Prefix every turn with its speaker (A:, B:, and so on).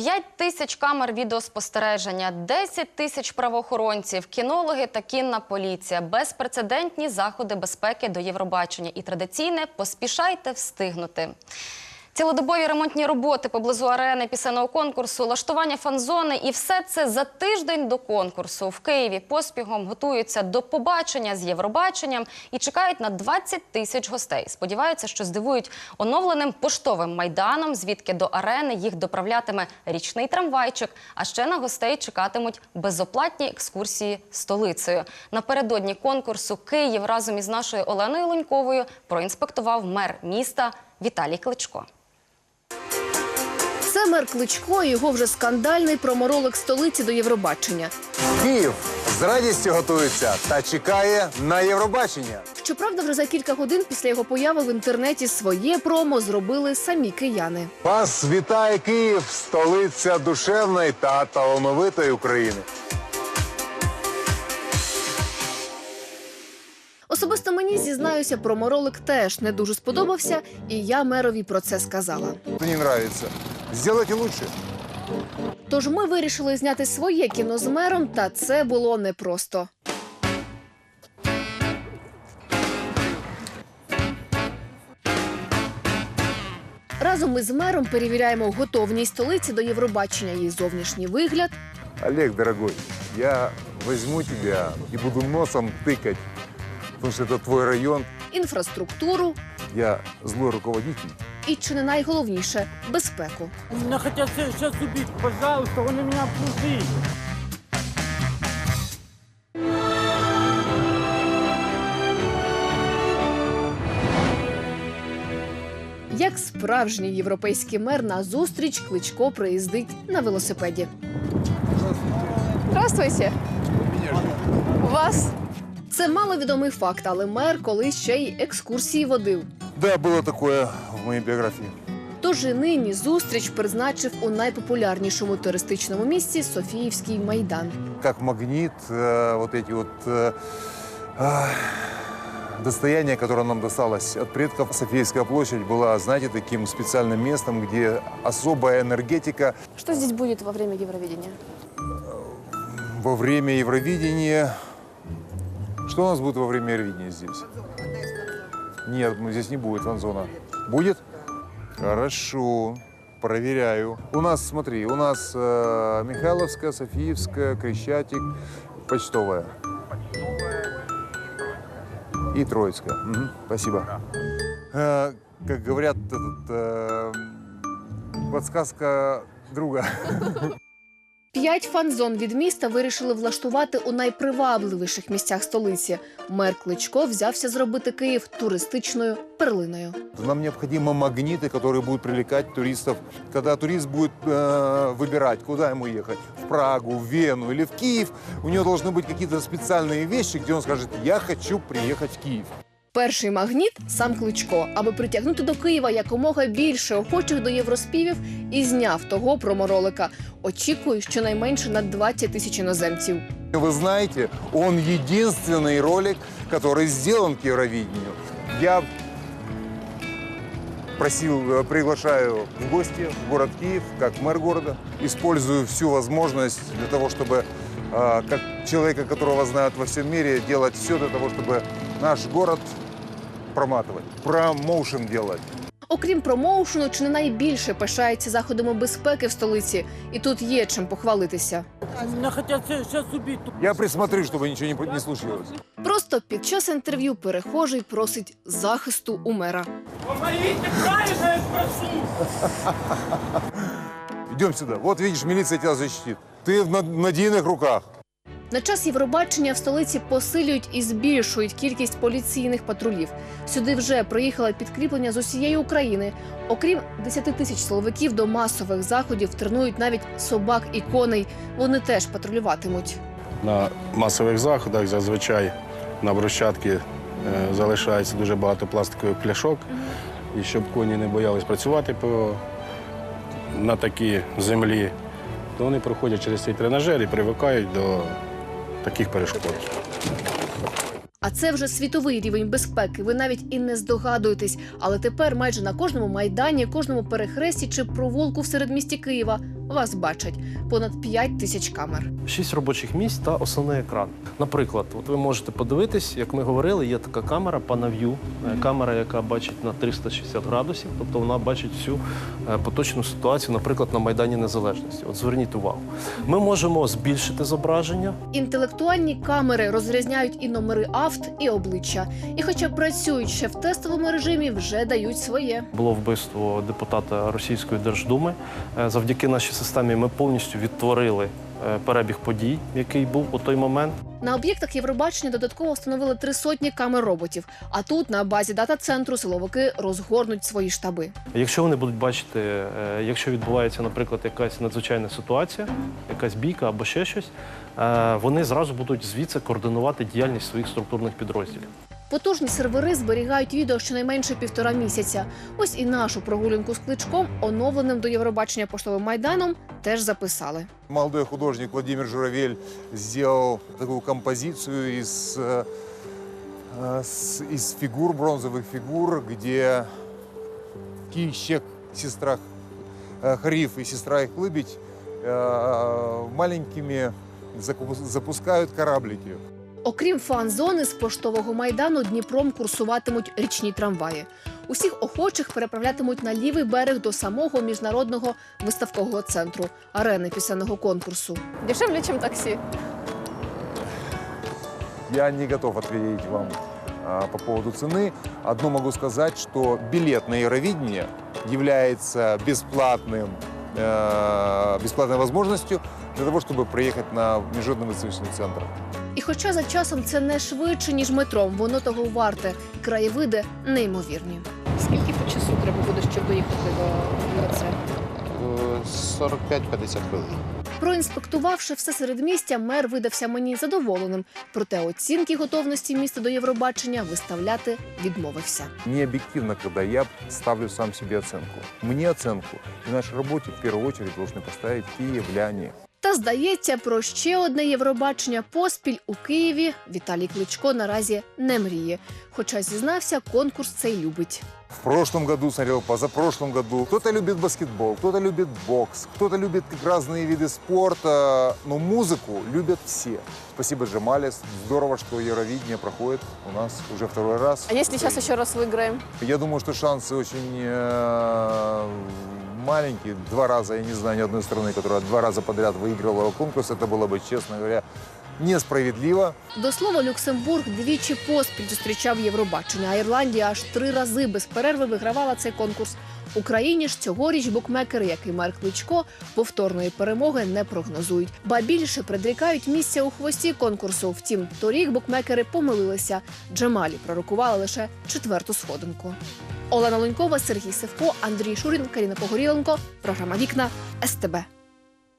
A: 5 тисяч камер відеоспостереження, 10 тисяч правоохоронців, кінологи та кінна поліція, безпрецедентні заходи безпеки до Євробачення і традиційне «поспішайте встигнути». Цілодобові ремонтні роботи поблизу арени пісенного конкурсу, влаштування фан-зони і все це за тиждень до конкурсу. В Києві поспіхом готуються до побачення з Євробаченням і чекають на 20 тисяч гостей. Сподіваються, що здивують оновленим поштовим майданом, звідки до арени їх доправлятиме річний трамвайчик, а ще на гостей чекатимуть безоплатні екскурсії столицею. Напередодні конкурсу Київ разом із нашою Оленою Луньковою проінспектував мер міста Віталій Кличко.
B: Це мер Кличко і його вже скандальний проморолик столиці до Євробачення.
C: Київ з радістю готується та чекає на Євробачення.
B: Щоправда, вже за кілька годин після його появи в інтернеті своє промо зробили самі кияни.
C: Вас вітає Київ, столиця душевної та талановитої України.
B: Особисто мені, зізнаюся, проморолик теж не дуже сподобався, і я мерові про це сказала.
C: Це не подобається. Зробіть краще.
B: Тож ми вирішили зняти своє кіно з мером, та це було непросто. Разом із мером перевіряємо готовність столиці до Євробачення, її зовнішній вигляд.
C: Олег, дорогой, я візьму тебе і буду носом тикати, тому що це твій район.
B: Інфраструктуру
C: Я злой руководитель.
B: і, чи не найголовніше, безпеку.
D: Меня хотят сейчас убить, пожалуйста, он у меня пустый.
B: Як справжній європейський мер на зустріч Кличко приїздить на велосипеді. Здравствуйте. Вас? Це маловідомий факт, але мер колись ще й екскурсії водив.
C: Да, було таке в моїй біографії.
B: Тож і нині зустріч призначив у найпопулярнішому туристичному місці Софіївський майдан.
C: Как магнит, вот эти вот достояние, которое нам досталось от предков. Софийская площадь была, знаете, таким специальным местом, где особая энергетика.
B: Що здесь буде во время Євровидения?
C: Во время Евровидения... Что у нас будет во время Евровидения здесь? Нет, здесь не будет фан-зона. Будет? Хорошо. Проверяю. У нас, смотри, у нас Михайловская, Софиевская, Крещатик, Почтовая. И Троицкая. Угу, спасибо. Как говорят, подсказка друга.
B: 5 фан-зон від міста вирішили влаштувати у найпривабливіших місцях столиці. Мер Кличко взявся зробити Київ туристичною перлиною.
C: Нам необходимы магниты, которые будут привлекать туристов. Когда турист будет выбирать, куда ему ехать, в Прагу, в Вену или в Киев, у него должны быть какие-то специальные вещи, где он скажет: «Я хочу приехать в Киев».
B: Перший магніт – сам Кличко, аби притягнути до Києва якомога більше охочих до євроспівів, і зняв того проморолика. Очікую, щонайменше на 20 тисяч іноземців.
C: Вы знаете, он единственный ролик, который сделан к Евровидению. Я приглашаю в гости в город Киев, как мэр города. Использую всю возможность для того, чтобы, как человека, которого знают во всем мире, делать все для того, чтобы наш город проматывать, промоушен делать.
B: Окрім промоушену, чи не найбільше пишається заходами безпеки в столиці. І тут є чим похвалитися.
D: Меня хотят сейчас убить.
C: Я присмотрю, чтобы ничего не случилось.
B: Просто під час інтерв'ю перехожий просить захисту у мера.
D: Помогите, правильно я спрошу.
C: Идем сюда. Вот видишь, милиция тебя защитит. Ты в надійних руках.
B: На час Євробачення в столиці посилюють і збільшують кількість поліційних патрулів. Сюди вже приїхало підкріплення з усієї України. Окрім 10 тисяч силовиків, до масових заходів тренують навіть собак і коней. Вони теж патрулюватимуть.
E: На масових заходах зазвичай на брусчатці залишається дуже багато пластикових пляшок. І щоб коні не боялись працювати на такій землі, то вони проходять через цей тренажер і привикають до таких перешкод.
B: А це вже світовий рівень безпеки. Ви навіть і не здогадуєтесь. Але тепер майже на кожному майдані, кожному перехресті чи провулку в середмісті Києва вас бачать. Понад 5 тисяч камер.
F: 6 робочих місць та основний екран. Наприклад, от ви можете подивитись, як ми говорили, є така камера PanaView, камера, яка бачить на 360 градусів, тобто вона бачить всю поточну ситуацію, наприклад, на Майдані Незалежності. От зверніть увагу. Ми можемо збільшити зображення.
B: Інтелектуальні камери розрізняють і номери авт, і обличчя. І хоча працюють ще в тестовому режимі, вже дають своє.
F: Було вбивство депутата Російської Держдуми. Завдяки нашій системі ми повністю відтворили перебіг подій, який був у той момент.
B: На об'єктах Євробачення додатково встановили 300 камер роботів. А тут на базі дата-центру силовики розгорнуть свої штаби.
F: Якщо вони будуть бачити, якщо відбувається, наприклад, якась надзвичайна ситуація, якась бійка або ще щось, вони зразу будуть звідси координувати діяльність своїх структурних підрозділів.
B: Потужні сервери зберігають відео щонайменше 1,5 місяця. Ось і нашу прогулянку з Кличком, оновленим до Євробачення поштовим майданом, теж записали.
C: Молодой художник Владимир Журавель сделал такую композицию из фигур, бронзовых фигур, где Кищек, сестра Хриф и сестра их Лыбедь маленькими запускают кораблики.
B: Окрім фан-зони, з поштового майдану Дніпром курсуватимуть річні трамваї. Усіх охочих переправлятимуть на лівий берег до самого міжнародного виставкового центру – арени пісенного конкурсу. Дешевле, ніж таксі.
C: Я не готов ответить вам по поводу цены. Одно могу сказать, что билет на Евровидение является бесплатной возможностью для того, чтобы приехать на Международный выставочный центр.
B: І хоча за часом це не швидше, ніж метром, воно того варте. Краєвиди неймовірні. Скільки по часу треба буде, щоб доїхати до ЄЦ?
G: 45-50 хвилин.
B: Проінспектувавши все середмістя, мер видався мені задоволеним. Проте оцінки готовності міста до Євробачення виставляти відмовився.
C: Не объективно, когда я ставлю сам себе оценку. Мне оценку и нашей работе в первую очередь должны поставить киевляне.
B: Та, здається, про ще одне Євробачення поспіль у Києві Віталій Кличко наразі не мріє. Хоча, зізнався, конкурс цей любить.
C: В прошлом году смотрел, позапрошлом году. Кто-то любит баскетбол, кто-то любит бокс, кто-то любит разные виды спорта, но музыку любят все. Спасибо, Джамале. Здорово, что Евровидение проходит у нас уже второй раз.
B: А якщо зараз ще раз виграємо?
C: Я думаю, что шансы очень маленькие. 2 раза, я не знаю ни одной страны, которая 2 раза подряд выигрывала конкурс. Это было бы, честно говоря, несправедливо.
B: До слова, Люксембург двічі поспіль зустрічав Євробачення, а Ірландія аж 3 рази без перерви вигравала цей конкурс. Україні ж цьогоріч букмекери, як і мер Кличко, повторної перемоги не прогнозують. Ба більше предрікають місця у хвості конкурсу. Втім, торік букмекери помилилися. Джамалі пророкували лише 4-ту сходинку. Олена Лунькова, Сергій Севко, Андрій Шурін, Каріна Погоріленко. Програма «Вікна» СТБ.